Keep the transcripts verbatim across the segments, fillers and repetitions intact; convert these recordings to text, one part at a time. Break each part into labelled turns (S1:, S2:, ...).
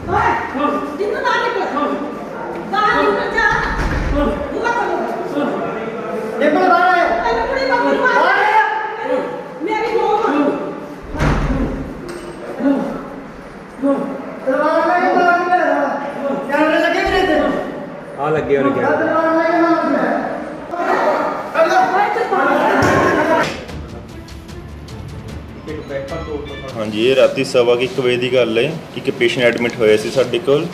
S1: ਆ ਲੱਗੇ ਹੋਣੇ ਕਿਆ
S2: हाँ जी, ये राती सवा की एक बजे की गल है कि एक पेशेंट एडमिट होया सी साडे कोल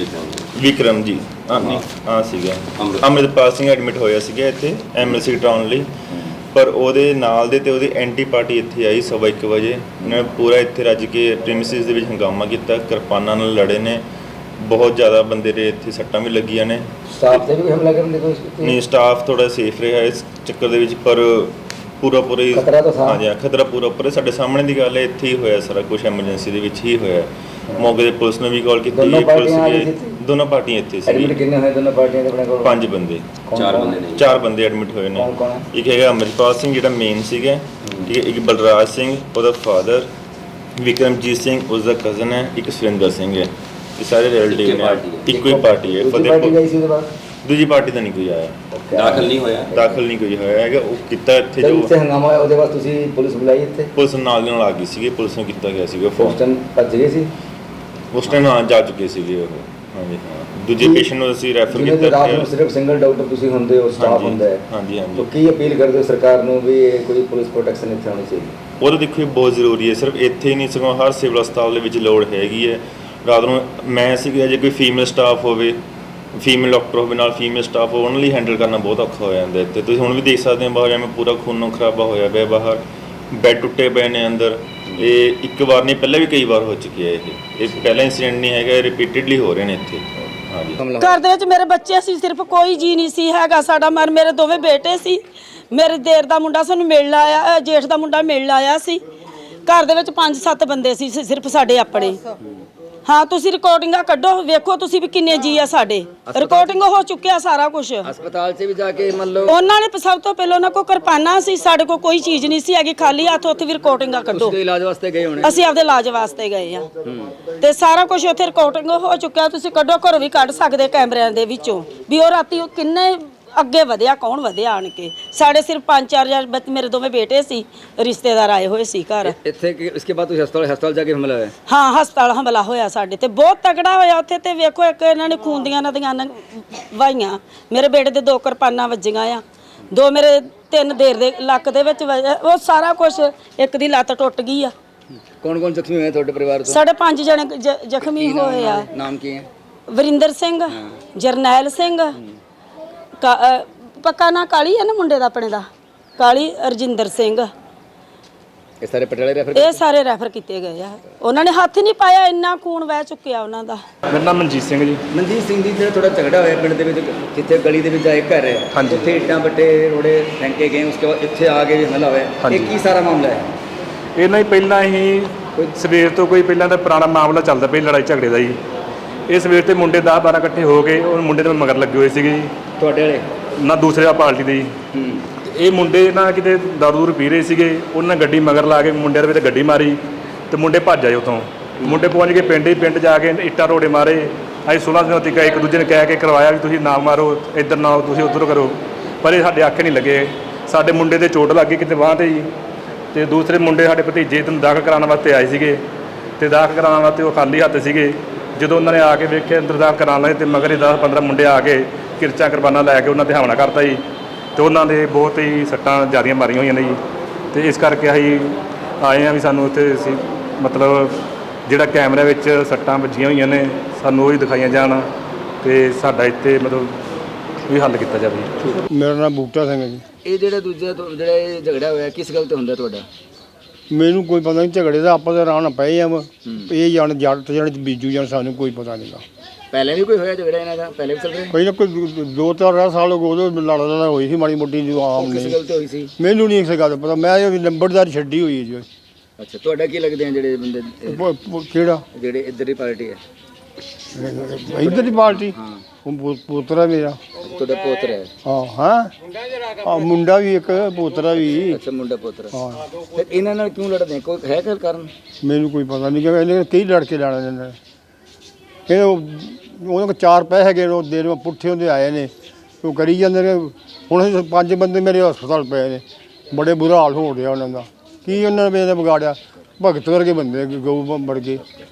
S2: विक्रम जी हाँ नहीं हाँ सीगा अमृतपाल सिंह एडमिट होया सीगा इत्थे एमएलसी टाउन लई पर ਉਹਦੇ ਨਾਲ ਦੇ ਤੇ ਉਹਦੀ ਐਂਟੀ ਪਾਰਟੀ ਇੱਥੇ ਆਈ ਸਵਾ ਇੱਕ ਵਜੇ ਉਹਨਾਂ ਨੇ ਪੂਰਾ ਇੱਥੇ ਰੱਜ ਕੇ ਪ੍ਰੀਮਿਸਿਸ ਦੇ ਵਿੱਚ ਹੰਗਾਮਾ ਕੀਤਾ ਕਿਰਪਾਨਾਂ ਨਾਲ ਲੜੇ ਨੇ ਬਹੁਤ ਜ਼ਿਆਦਾ ਬੰਦੇ ਦੇ ਇੱਥੇ ਸੱਟਾਂ ਵੀ ਲੱਗੀਆਂ ਨੇ
S3: ਸਟਾਫ ਤੇ ਵੀ ਹਮਲਾ ਕਰਨ ਦੀ ਕੋਸ਼ਿਸ਼ ਕੀਤੀ
S2: ਨਹੀਂ ਸਟਾਫ ਥੋੜਾ ਸੇਫ ਰਿਹਾ ਇਸ ਚੱਕਰ ਦੇ ਵਿੱਚ ਪਰ ਪੂਰਾ ਪੂਰਾ ਹੀ
S3: ਖਤਰਾ ਤਾਂ ਥਾ
S2: ਹਾਂਜੀ ਖਤਰਾ ਪੂਰਾ ਉੱਪਰ ਸਾਡੇ ਸਾਹਮਣੇ ਦੀ ਗੱਲ ਹੈ ਇੱਥੇ ਹੀ ਹੋਇਆ ਸਾਰਾ ਕੁਝ ਐਮਰਜੈਂਸੀ ਦੇ ਵਿੱਚ ਹੀ ਹੋਇਆ ਮੌਕੇ ਤੇ ਪੁਲਿਸ ਨੇ ਵੀ ਕਾਲ ਕੀਤੀ ਪੁਲਿਸ ਨੇ ਦੋਨੋਂ ਪਾਰਟੀਆਂ ਇੱਥੇ ਸੀ
S3: ਐਡਮਿਟ ਕਿੰਨੇ ਹੋਏ ਦੋਨੋਂ ਪਾਰਟੀਆਂ ਦੇ ਆਪਣੇ ਕੋਲ
S2: ਪੰਜ ਬੰਦੇ
S3: ਚਾਰ ਬੰਦੇ ਨੇ
S2: ਚਾਰ ਬੰਦੇ ਐਡਮਿਟ ਹੋਏ ਨੇ ਇੱਕ ਹੈਗਾ ਅਮਰਪਾਲ ਸਿੰਘ ਜਿਹੜਾ ਮੇਨ ਸੀਗਾ ਠੀਕ ਹੈ ਇੱਕ ਬਲਰਾਜ ਸਿੰਘ ਉਹਦਾ ਫਾਦਰ ਵਿਕਰਮਜੀਤ ਸਿੰਘ ਉਸਦਾ ਕਜ਼ਨ ਹੈ ਇੱਕ ਸੁਰਿੰਦਰ ਸਿੰਘ ਹੈ ਇਹ ਸਾਰੇ ਰਿਲੇਟਿਵ ਨੇ ਇੱਕੋ ਹੀ ਪਾਰਟੀ ਹੈ
S3: ਫਤਿਹਪੁਰ
S2: ਦੂਜੀ ਪਾਰਟੀ ਦਾ ਨਹੀਂ ਕੋਈ ਆਇਆ
S3: ਦਾਖਲ ਨਹੀਂ ਹੋਇਆ
S2: ਦਾਖਲ ਨਹੀਂ ਕੋਈ ਹੋਇਆ ਹੈਗਾ ਉਹ ਕੀਤਾ ਇੱਥੇ
S3: ਜੋ ਇੱਥੇ ਹੰਗਾਮਾ ਹੋਇਆ ਉਹਦੇ ਬਾਅਦ ਤੁਸੀਂ ਪੁਲਿਸ ਬੁਲਾਈ ਇੱਥੇ
S2: ਪੁਲਿਸ ਨਾਲ ਦੀ ਨਾਲ ਆ ਗਈ ਸੀਗੀ ਪੁਲਿਸ ਨੂੰ ਕੀਤਾ ਗਿਆ ਸੀਗਾ
S3: ਉਸ ਟਾਈਮ ਭੱਜ ਗਏ ਸੀ
S2: ਉਸ ਟਾਈਮ ਹਾਂ ਜਾ ਚੁੱਕੇ ਸੀਗੇ ਉਹ ਹਾਂਜੀ ਹਾਂ ਦੂਜੇ ਪੇਸ਼ੈਂਟ ਨੂੰ ਅਸੀਂ ਰੈਫਰ ਕੀਤਾ
S3: ਰਾਤ ਨੂੰ ਸਿਰਫ ਸਿੰਗਲ ਡਾਕਟਰ ਤੁਸੀਂ ਹੁੰਦੇ ਹੋ ਸਟਾਫ ਹੁੰਦਾ ਹੈ
S2: ਹਾਂਜੀ ਹਾਂਜੀ
S3: ਤਾਂ ਕੀ ਅਪੀਲ ਕਰਦੇ ਹੋ ਸਰਕਾਰ ਨੂੰ ਵੀ ਕੋਈ ਪੁਲਿਸ ਪ੍ਰੋਟੈਕਸ਼ਨ ਇੱਥੇ ਹੋਣੀ ਚਾਹੀਦੀ
S2: ਉਹ ਤਾਂ ਦੇਖੋ ਬਹੁਤ ਜ਼ਰੂਰੀ ਹੈ ਸਿਰਫ ਇੱਥੇ ਹੀ ਨਹੀਂ ਸਗੋਂ ਹਰ ਸਿਵਲ ਹਸਪਤਾਲ ਦੇ ਵਿੱਚ ਲੋੜ ਹੈਗੀ ਹੈ ਰਾਤ ਨੂੰ ਮੈਂ ਸੀਗਾ ਜੇ ਕੋਈ ਫੀਮੇਲ ਸਟਾਫ ਹੋਵੇ ਫੀਮੇਲ ਡਾਕਟਰ ਹੋਵੇ ਨਾਲ ਫੀਮੇਲ ਸਟਾਫ ਉਹਨਾਂ ਲਈ ਹੈਂਡਲ ਕਰਨਾ ਬਹੁਤ ਔਖਾ ਹੋ ਜਾਂਦਾ ਇੱਥੇ ਤੁਸੀਂ ਹੁਣ ਵੀ ਦੇਖ ਸਕਦੇ ਹੋ ਬਾਹਰ ਐਵੇਂ ਪੂਰਾ ਖੂਨੋਂ ਖਰਾਬਾ ਹੋਇਆ ਪਿਆ ਬਾਹਰ ਬੈੱਡ ਟੁੱਟੇ ਪਏ ਨੇ ਅੰਦਰ ਇਹ ਇੱਕ ਵਾਰ ਨਹੀਂ ਪਹਿਲਾਂ ਵੀ ਕਈ ਵਾਰ ਹੋ ਚੁੱਕੀ ਹੈ ਇਹ ਇਹ ਪਹਿਲਾ ਇਨਸੀਡੈਂਟ ਨਹੀਂ ਹੈਗਾ ਇਹ ਰਿਪੀਟਡਲੀ ਹੋ ਰਹੇ ਨੇ ਇੱਥੇ ਹਾਂਜੀ
S4: ਘਰ ਦੇ ਵਿੱਚ ਮੇਰੇ ਬੱਚੇ ਸੀ ਸਿਰਫ ਕੋਈ ਜੀ ਨਹੀਂ ਸੀ ਹੈਗਾ ਸਾਡਾ ਮਰ ਮੇਰੇ ਦੋਵੇਂ ਬੇਟੇ ਸੀ ਮੇਰੇ ਦੇਰ ਦਾ ਮੁੰਡਾ ਸਾਨੂੰ ਮਿਲਣ ਆਇਆ ਜੇਠ ਦਾ ਮੁੰਡਾ ਮਿਲਣ ਆਇਆ ਸੀ ਘਰ ਦੇ ਵਿੱਚ ਪੰਜ ਸੱਤ ਬੰਦੇ ਸੀ ਸਿਰਫ ਸਾਡੇ ਆਪਣੇ ਹਾਂ ਤੁਸੀਂ ਰਿਕਾਰਡਿੰਗਾਂ ਕੱਢੋ ਵੇਖੋ ਤੁਸੀਂ ਵੀ ਕਿੰਨੇ ਜੀ ਆ ਸਾਡੇ ਰਿਕਾਰਡਿੰਗ ਹੋ ਚੁੱਕਿਆ ਸਾਰਾ ਕੁਝ
S3: ਹਸਪਤਾਲ 'ਚ ਵੀ ਜਾ ਕੇ ਮੰਨ ਲਓ
S4: ਉਹਨਾਂ ਨੇ ਸਭ ਤੋਂ ਪਹਿਲਾਂ ਉਹਨਾਂ ਕੋਲ ਕਿਰਪਾਨਾਂ ਸੀ ਸਾਡੇ ਕੋਲ ਕੋਈ ਚੀਜ਼ ਨਹੀਂ ਸੀ ਹੈਗੀ ਖਾਲੀ ਹੱਥ ਉੱਥੇ ਵੀ ਰਿਕਾਰਡਿੰਗਾਂ ਕੱਢੋ
S3: ਤੁਸੀਂ ਇਲਾਜ ਵਾਸਤੇ ਗਏ ਹੋਣੇ
S4: ਅਸੀਂ ਆਪਦੇ ਇਲਾਜ ਵਾਸਤੇ ਗਏ ਆ ਤੇ ਸਾਰਾ ਕੁਝ ਉੱਥੇ ਰਿਕਾਰਡਿੰਗ ਹੋ ਚੁੱਕਿਆ ਤੁਸੀਂ ਕੱਢੋ ਘਰੋਂ ਵੀ ਕੱਢ ਸਕਦੇ ਕੈਮਰਿਆਂ ਦੇ ਵਿੱਚੋਂ ਵੀ ਉਹ ਰਾਤੀ ਉਹ ਕਿੰਨੇ ਅੱਗੇ ਵਧਿਆ ਕੌਣ ਵਧਿਆ ਆਣ ਕੇ ਸਾਡੇ ਸਿਰਫ ਪੰਜ ਚਾਰ ਹਜ਼ਾਰ ਮੇਰੇ ਦੋਵੇਂ ਬੇਟੇ ਸੀ ਰਿਸ਼ਤੇਦਾਰ ਆਏ ਹੋਏ ਸੀ ਘਰ
S3: ਇੱਥੇ ਇਸਕੇ ਬਾਅਦ ਤੁਸੀਂ ਹਸਪਤਾਲ ਹਸਪਤਾਲ ਜਾ ਕੇ ਹਮਲਾ ਹੋਇਆ
S4: ਹਾਂ ਹਸਪਤਾਲ ਹਮਲਾ ਹੋਇਆ ਸਾਡੇ ਤੇ ਬਹੁਤ ਤਗੜਾ ਹੋਇਆ ਉੱਥੇ ਤੇ ਵੇਖੋ ਇੱਕ ਇਹਨਾਂ ਨੇ ਖੂਨ ਦੀਆਂ ਨਦੀਆਂ ਵਾਹੀਆਂ ਮੇਰੇ ਬੇਟੇ ਦੇ ਦੋ ਕਿਰਪਾਨਾਂ ਵੱਜੀਆਂ ਆ ਦੋ ਮੇਰੇ ਤਿੰਨ ਦੇਰ ਦੇ ਲੱਕ ਦੇ ਵਿੱਚ ਉਹ ਸਾਰਾ ਕੁਝ ਇੱਕ ਦੀ ਲੱਤ ਟੁੱਟ ਗਈ ਆ
S3: ਕੌਣ ਕੌਣ ਜ਼ਖਮੀ ਹੋਏ ਤੁਹਾਡੇ ਪਰਿਵਾਰ ਤੋਂ
S4: ਸਾਡੇ ਪੰਜ ਜਣੇ ਜ਼ਖਮੀ ਹੋਏ ਆ
S3: ਨਾਮ ਕੀ ਹੈ
S4: ਵਰਿੰਦਰ ਸਿੰਘ ਜਰਨੈਲ ਸਿੰਘ ਪੱਕਾ ਨਾ ਕਾਲੀ ਹੈ ਨਾ ਮੁੰਡੇ ਦਾ ਆਪਣੇ ਦਾ ਕਾਲੀ ਅਰਜਿੰਦਰ ਸਿੰਘ
S3: ਇਹ ਸਾਰੇ ਪਟਿਆਲੇ ਰੈਫਰ
S4: ਇਹ ਸਾਰੇ ਰੈਫਰ ਕੀਤੇ ਗਏ ਆ ਉਹਨਾਂ ਨੇ ਹੱਥ ਨਹੀਂ ਪਾਇਆ ਇੰਨਾ ਖੂਨ ਵਹਿ ਚੁੱਕਿਆ ਉਹਨਾਂ ਦਾ
S5: ਮੇਰਾ ਨਾਮ ਮਨਜੀਤ ਸਿੰਘ ਜੀ
S3: ਮਨਜੀਤ ਸਿੰਘ ਜੀ ਜਿਹੜਾ ਥੋੜਾ ਝਗੜਾ ਹੋਇਆ ਪਿੰਡ ਦੇ ਵਿੱਚ ਜਿੱਥੇ ਗਲੀ ਦੇ ਵਿੱਚ ਆਏ ਘਰ ਹੈ ਉੱਥੇ ਇੱਟਾਂ ਬੱਟੇ ਰੋੜੇ ਫੈਂਕੇ ਗਏ ਉਸਕੇ ਬਾਅਦ ਇੱਥੇ ਆ ਕੇ ਵੀ ਹਮਲਾ ਹੋਇਆ ਇਹ ਕੀ ਸਾਰਾ ਮਾਮਲਾ ਹੈ
S5: ਇਹਨਾਂ ਹੀ ਪਹਿਲਾਂ ਹੀ ਸਵੇਰ ਤੋਂ ਕੋਈ ਪਹਿਲਾਂ ਦਾ ਪੁਰਾਣਾ ਮਾਮਲਾ ਚੱਲਦਾ ਪਿਆ ਲੜਾਈ ਝਗੜੇ ਦਾ ਜੀ ਇਹ ਸਵੇਰ ਤੇ ਮੁੰਡੇ ਦਸ ਬਾਰਾਂ ਇਕੱਠੇ ਹੋ ਗਏ ਉਹ ਮੁੰਡੇ ਦੇ ਮਗਰ ਲੱਗੇ ਹੋਏ ਸੀਗੇ ਜੀ
S3: ਤੁਹਾਡੇ ਵਾਲੇ
S5: ਨਾ ਦੂਸਰੇ ਪਾਰਟੀ ਦੇ ਜੀ ਇਹ ਮੁੰਡੇ ਨਾ ਕਿਤੇ ਦਾਰੂ ਦੂਰ ਪੀ ਰਹੇ ਸੀਗੇ ਉਹਨਾਂ ਗੱਡੀ ਮਗਰ ਲਾ ਕੇ ਮੁੰਡਿਆਂ ਦੇ ਵਿੱਚ ਗੱਡੀ ਮਾਰੀ ਤੇ ਮੁੰਡੇ ਭੱਜ ਆਏ ਉੱਥੋਂ ਮੁੰਡੇ ਪਹੁੰਚ ਕੇ ਪਿੰਡ ਹੀ ਪਿੰਡ ਜਾ ਕੇ ਇੱਟਾਂ ਰੋੜੇ ਮਾਰੇ ਅਸੀਂ ਸੋਲਾਂ ਦਿਨਾਂ ਤੱਕ ਇੱਕ ਦੂਜੇ ਨੇ ਕਹਿ ਕੇ ਕਰਵਾਇਆ ਵੀ ਤੁਸੀਂ ਨਾ ਮਾਰੋ ਇੱਧਰ ਨਾ ਤੁਸੀਂ ਉੱਧਰ ਕਰੋ ਪਰ ਇਹ ਸਾਡੇ ਆਖੇ ਨਹੀਂ ਲੱਗੇ ਸਾਡੇ ਮੁੰਡੇ ਦੇ ਚੋਟ ਲੱਗ ਗਈ ਕਿਤੇ ਬਾਂਹ 'ਤੇ ਜੀ ਤੇ ਦੂਸਰੇ ਮੁੰਡੇ ਸਾਡੇ ਭਤੀਜੇ ਨੂੰ ਦਾਖਲ ਕਰਾਉਣ ਵਾਸਤੇ ਆਏ ਸੀਗੇ ਤੇ ਦਾਖਲ ਕਰਾਉਣ ਵਾਸਤੇ ਉਹ ਖਾਲੀ ਹੱਥ ਸੀਗੇ ਜਦੋਂ ਉਹਨਾਂ ਨੇ ਆ ਕੇ ਵੇਖਿਆ ਅੰਦਰ ਦਾਖਲ ਕਰਾਉਣ ਲਏ ਤੇ ਮਗਰ ਹੀ ਦਸ ਪੰਦਰਾਂ ਮੁੰਡੇ ਆ ਕੇ ਕਿਰਚਾਂ ਕੁਰਬਾਨਾਂ ਲੈ ਕੇ ਉਹਨਾਂ 'ਤੇ ਹਮਲਾ ਕਰਤਾ ਜੀ ਤੇ ਉਹਨਾਂ ਦੇ ਬਹੁਤ ਹੀ ਸੱਟਾਂ ਜ਼ਿਆਦੀਆਂ ਮਾਰੀਆਂ ਹੋਈਆਂ ਨੇ ਜੀ ਤੇ ਇਸ ਕਰਕੇ ਅਸੀਂ ਆਏ ਹਾਂ ਵੀ ਸਾਨੂੰ ਉੱਥੇ ਅਸੀਂ ਮਤਲਬ ਜਿਹੜਾ ਕੈਮਰੇ ਵਿੱਚ ਸੱਟਾਂ ਵੱਜੀਆਂ ਹੋਈਆਂ ਨੇ ਸਾਨੂੰ ਉਹ ਹੀ ਦਿਖਾਈਆਂ ਜਾਣ ਤੇ ਸਾਡਾ ਇੱਥੇ ਮਤਲਬ ਵੀ ਹੱਲ ਕੀਤਾ ਜਾਵੇ।
S6: ਮੇਰਾ ਨਾਮ ਬੂਟਾ ਸਿੰਘ ਹੈ ਜੀ।
S3: ਇਹ ਜਿਹੜਾ ਦੂਜਾ ਜਿਹੜਾ ਇਹ ਝਗੜਾ ਹੋਇਆ ਕਿਸ ਗੱਲ ਤੇ ਹੁੰਦਾ ਤੁਹਾਡਾ?
S6: ਮੈਨੂੰ ਕੋਈ ਪਤਾ ਨਹੀਂ ਝਗੜੇ ਦਾ ਆਪਾਂ ਤਾਂ ਰਾਣ ਪਏ ਆ ਇਹ ਜਾਣ ਜੱਟ ਜਾਣ ਬੀਜੂ ਜਾਣ ਸਾਨੂੰ ਕੋਈ ਪਤਾ ਨਹੀਂਗਾ।
S3: ਪਹਿਲੇ ਵੀ ਕੋਈ ਹੋਇਆ ਝਗੜਾ ਇਹਨਾਂ ਦਾ ਪਹਿਲੇ ਵੀ ਚੱਲ ਰਿਹਾ
S6: ਕੋਈ ਨਾ ਕੋਈ ਦੋ ਚਾਰ ਸਾਲ ਉਦੋਂ ਲੜ ਲੜਾ ਹੋਈ ਸੀ ਮਾੜੀ ਮੋਟੀ ਜੋ ਆਮ
S3: ਨਹੀਂ। ਕਿਸ ਗੱਲ ਤੇ ਹੋਈ ਸੀ?
S6: ਮੈਨੂੰ ਨਹੀਂ ਇਸ ਗੱਲ ਪਤਾ ਮੈਂ ਨੰਬਰਦਾਰ ਛੱਡੀ ਹੋਈ ਹੈ ਜੀ।
S3: ਅੱਛਾ ਤੁਹਾਡਾ ਕੀ ਲੱਗਦੇ ਆ ਜਿਹੜੇ ਬੰਦੇ
S6: ਕਿਹੜਾ
S3: ਜਿਹੜੇ ਇੱਧਰ ਦੀ ਪਾਰਟੀ ਹੈ?
S6: ਇੱਧਰ ਦੀ ਪਾਰਟੀ
S3: ਹਾਂ
S6: ਉਹ ਪੋਤਰਾ ਮੇਰਾ
S3: ਤੁਹਾਡਾ ਪੋਤਰਾ ਹੈ?
S6: ਹਾਂ ਹਾਂ ਮੁੰਡਾ ਵੀ ਇੱਕ ਪੋਤਰਾ ਵੀ।
S3: ਅੱਛਾ ਮੁੰਡਾ ਪੋਤਰਾ।
S6: ਹਾਂ
S3: ਫਿਰ ਇਹਨਾਂ ਨਾਲ ਕਿਉਂ ਲੜਦੇ ਕੋਈ ਹੈ ਕੋਈ ਕਾਰਨ?
S6: ਮੈਨੂੰ ਕੋਈ ਪਤਾ ਨਹੀਂ ਕਿ ਇਹਨੇ ਕਈ ਲੜ ਕੇ ਲੈਣਾ ਇਹਨਾਂ ਇਹ ਉਹ- ਉਹਨਾਂ ਕੋਲ ਚਾਰ ਪੈਸੇ ਹੈਗੇ ਨੇ, ਉਹ ਦੇਰ ਵਿੱਚ ਪੁੱਠੇ ਹੁੰਦੇ ਆਏ ਨੇ, ਉਹ ਕਰੀ ਜਾਂਦੇ ਨੇ। ਹੁਣ ਅਸੀਂ ਪੰਜ ਬੰਦੇ ਮੇਰੇ ਹਸਪਤਾਲ ਪਏ ਨੇ, ਬੜੇ ਬੁਰਾ ਹਾਲ ਹੋ ਰਿਹਾ ਉਹਨਾਂ ਦਾ। ਕੀ ਉਹਨਾਂ ਨੇ ਵਿਗਾੜਿਆ? ਭਗਤ ਵਰਗੇ ਬੰਦੇ, ਗਊ ਵਰਗੇ।